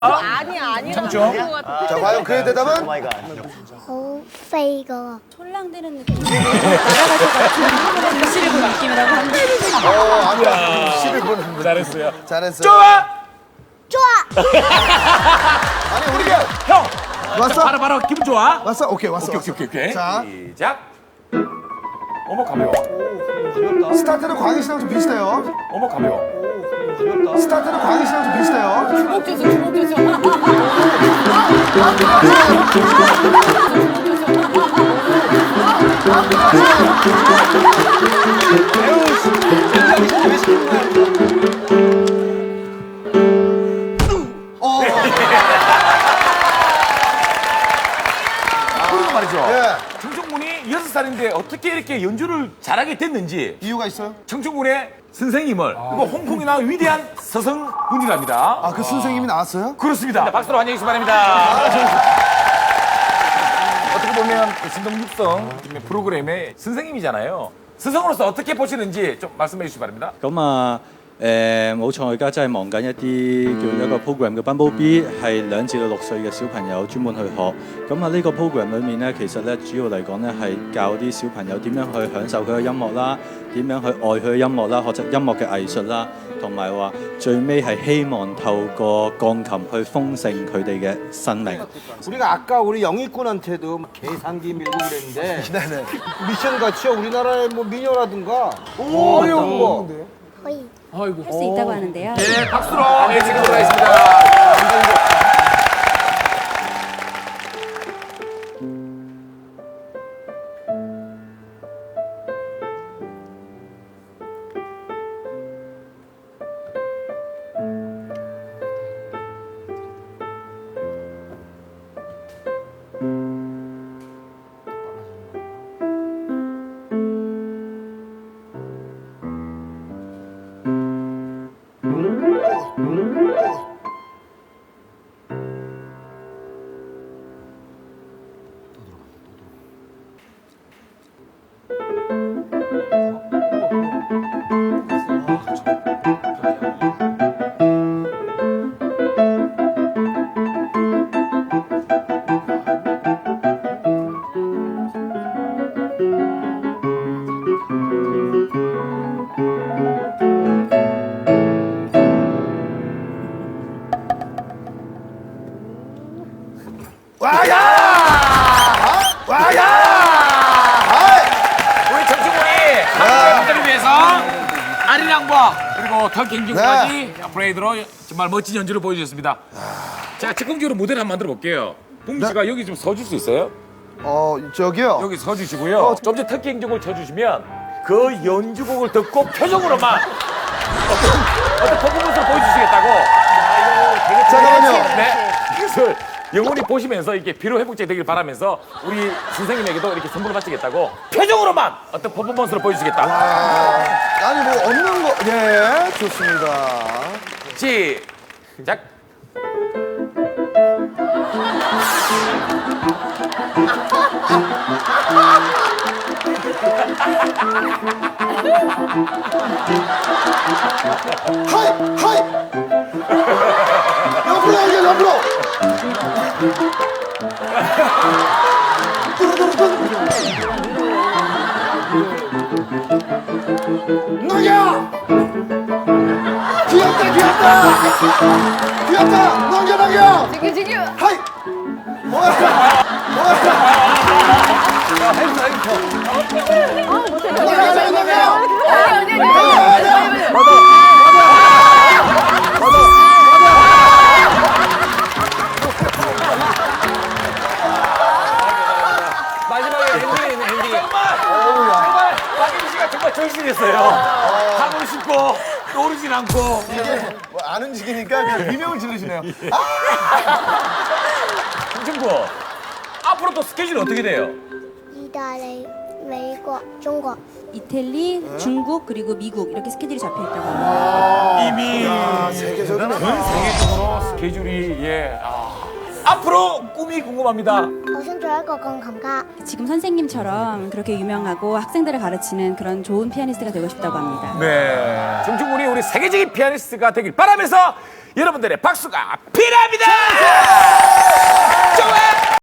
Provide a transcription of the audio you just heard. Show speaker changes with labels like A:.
A: 아니야.
B: 청중.
C: 자, 과연 그의 대답은?
D: 好飛噶，
E: 촐랑대는 느낌. 날아갈 것 같은 글씨를 본 느낌이라고 합니다.
C: 아까 시를 보는 거.
B: 잘했어요.
C: 잘했어.
B: 좋아.
D: 좋아.
C: 아니, 우리가.
B: 형.
C: 왔어?
B: 바로 기분 좋아.
C: 왔어? 오케이, 왔어.
B: 오케이.
C: 자,
B: 시작. 어머 가벼워.
C: 스타트는 광희 씨랑 좀 비슷해요.
B: 어머 가벼워.
C: 스타트는 광희 씨랑 좀 비슷해요.
A: 주먹
B: 그리고 말이죠.
C: 예.
B: 청춘군이 6살인데 어떻게 이렇게 연주를 잘하게 됐는지
C: 이유가 있어요?
B: 청춘군의 선생님을 그리고 홍콩이 나온 위대한 서성군이랍니다.
C: 아, 그 선생님이 나왔어요?
B: 그렇습니다. 박수로 환영해 주시기 바랍니다. 어떻게 보면 그 신동육성 프로그램의 선생님이잖아요. 스승으로서 어떻게 보시는지 좀 말씀해 주시기 바랍니다.
F: 咁啊，冇錯，我而家真係忙緊一啲叫一個 program 嘅 Bumblebee，係2至6歲嘅小朋友專門去學。咁啊，呢個 program 裏面咧，其實咧主要嚟講咧係教啲小朋友點樣去享受佢嘅音樂啦，點樣去愛佢嘅音樂啦，學習音樂嘅藝術啦，同埋話最尾係希望透過鋼琴去豐盛佢哋嘅生命。
G: 우리가 아까 우리 영희꾼한테도 계산기 밀고 그랬는데 미션 같이요 우리나라의 뭐 미녀라든가 어려운 거
D: 可以。
E: 할 수 있다고 하는데요.
B: 네, 박수로 지금 들어가겠습니다. 우리 청춘군이 한국분들을 위해서 아리랑과 그리고 털갱중까지 브레이드로 정말 멋진 연주를 보여주셨습니다. 제가 즉흥적으로 무대를 한번 만들어 볼게요. 봉주 씨가 여기 좀 서줄 수 있어요?
C: 저기요.
B: 여기 서주시고요. 좀 전에 털갱중을 쳐주시면 그 연주곡을 듣고 표정으로만 어떤 퍼포먼스를 보여주시겠다고.
C: 잠깐만요.
B: 네. 그래서 영원히 보시면서 이렇게 피로 회복제 되길 바라면서 우리 선생님에게도 이렇게 선물을 바치겠다고 표정으로만 어떤 퍼포먼스를 보여주시겠다.
C: 아니, 뭐, 없는 거. 예, 좋습니다.
B: 시작.
C: 하이! 하이! 옆으로 당겨, 옆으로! 넘겨! 귀엽다, 귀엽다! 귀엽다! 넘겨, 넘겨!
A: 지금.
C: 하이! 뭐야? 넘겨, 넘겨!
B: 마지막에 엔딩. 정말 박인 씨가 정말 절실했어요. 하고 싶고 떠오르진 않고.
C: 안 움직이니까 그냥 비명을 지르시네요.
B: 청춘구 앞으로 또 스케줄이 어떻게 돼요?
D: 意大利、美國、中國。
E: 이태리, 중국 그리고 미국 이렇게 스케줄이 잡혀 있다고 합니다.
B: 이미
C: 세계적이네.
B: 전 세계적으로 스케줄이 앞으로 꿈이 궁금합니다.
D: 我想做一個鋼琴家。
E: 지금 선생님처럼 그렇게 유명하고 학생들을 가르치는 그런 좋은 피아니스트가 되고 싶다고 합니다.
B: 네. 청춘군이 우리 세계적인 피아니스트가 되길 바라면서 여러분들의 박수가 필요합니다.